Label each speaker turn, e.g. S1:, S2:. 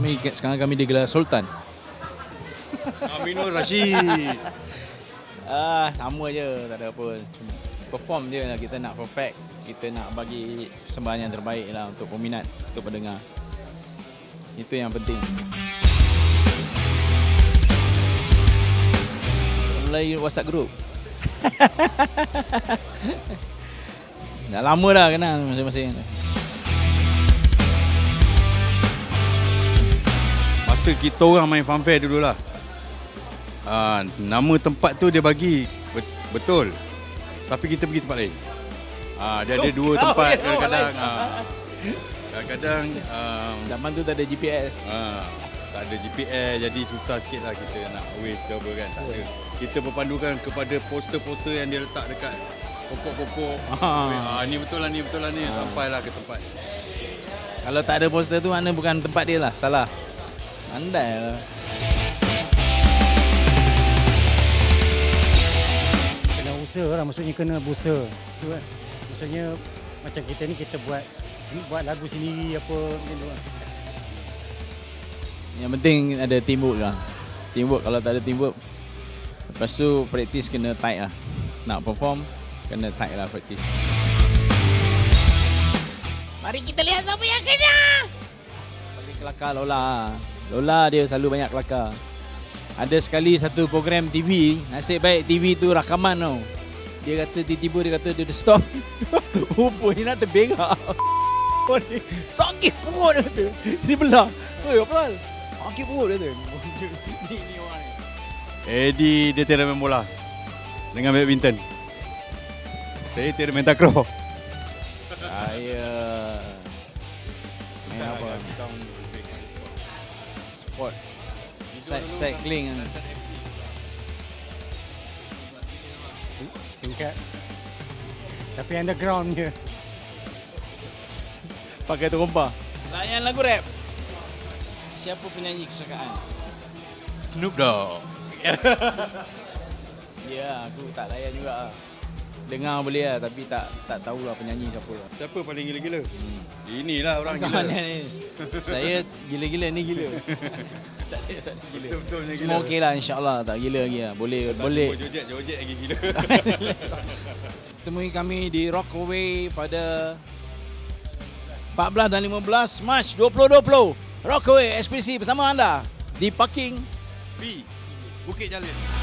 S1: Sekarang kami digelar Sultan.
S2: Aminul Rashid.
S1: Sama je, tak ada apa. Cuma perform je lah, kita nak perfect. Kita nak bagi persembahan yang terbaik lah untuk peminat, untuk pendengar. Itu yang penting. Mulai WhatsApp group. Dah lama dah kenal masing-masing.
S2: Masa kita orang main funfair dululah. Nama tempat tu dia bagi betul. Tapi kita pergi tempat lain. Dia ada dua tempat kadang-kadang. Kadang-kadang
S1: zaman tu tak ada GPS.
S2: Tak ada GPS, jadi susah sikit lah kita nak waste ke apa kan. Tak ada. Kita berpandukan kepada poster-poster yang dia letak dekat pokok-pokok. Ni betul lah ni, sampailah ke tempat.
S1: Kalau tak ada poster tu, mana bukan tempat dia lah, salah. Andai lah.
S3: Kena usaha lah, maksudnya kena berusaha. Tu kan. Maksudnya macam kita ni, kita buat lagu sendiri apa macam tu lah.
S1: Yang penting ada teamwork lah. Teamwork, kalau tak ada teamwork, lepas tu praktis kena tight lah. Nak perform, kena tight lah praktis. Mari kita lihat siapa yang kena. Paling kelakar Lola. Lola dia selalu banyak kelakar. Ada sekali satu program TV, nasib baik TV tu rakaman tau. Dia kata tiba-tiba dia kata dia stop. Rupanya nak terbengak. Sakit perut dia kata. Dia belah. Oi apa hal? Sakit perut dia kata. Ni orang.
S2: Eddie dia tiada main bola dengan badminton. Saya tiada main takraw.
S1: Saya main apa? Sport. Cycling.
S3: Tingkat. Tapi underground je.
S1: Pakai terompa. Layan lagu rap. Siapa penyanyi kesukaan?
S2: Snoop Dogg.
S1: Ya, aku tak layan juga. Dengar boleh lah, tapi tak tahulah penyanyi siapa.
S2: Siapa paling gila-gila? Inilah orang
S1: Kawan
S2: gila.
S1: ni. Saya gila-gila ni gila. Tak ada gila.
S2: Betul-betulnya gila.
S1: Semua okey lah, insyaAllah tak gila lagi lah. Boleh.
S2: Jojet lagi gila.
S1: Temui kami di Rockaway pada 14 dan 15 Mac 2020. Rockaway eksklusif bersama anda di parking
S2: B Bukit Jalil.